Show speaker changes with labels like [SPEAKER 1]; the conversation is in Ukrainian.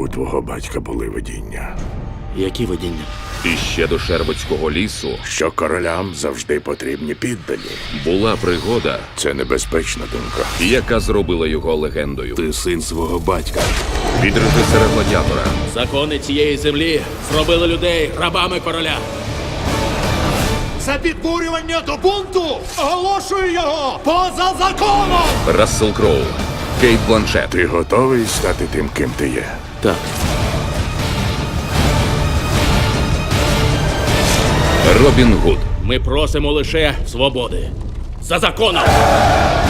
[SPEAKER 1] У твого батька були видіння.
[SPEAKER 2] Які видіння?
[SPEAKER 3] І ще до Шервудського лісу
[SPEAKER 1] Що королям завжди потрібні піддані.
[SPEAKER 3] була пригода,
[SPEAKER 1] Це небезпечна думка.
[SPEAKER 3] яка зробила його легендою.
[SPEAKER 1] Ти син свого батька.
[SPEAKER 3] Від режисера «Гладіатора»
[SPEAKER 2] Закони цієї землі зробили людей рабами короля.
[SPEAKER 4] За підбурювання до бунту оголошую його поза законом!
[SPEAKER 3] Рассел Кроу, Кейт Бланшет,
[SPEAKER 1] Ти готовий стати тим, ким ти є?
[SPEAKER 2] Так.
[SPEAKER 3] Робін Гуд,
[SPEAKER 2] Ми просимо лише свободи. За законом!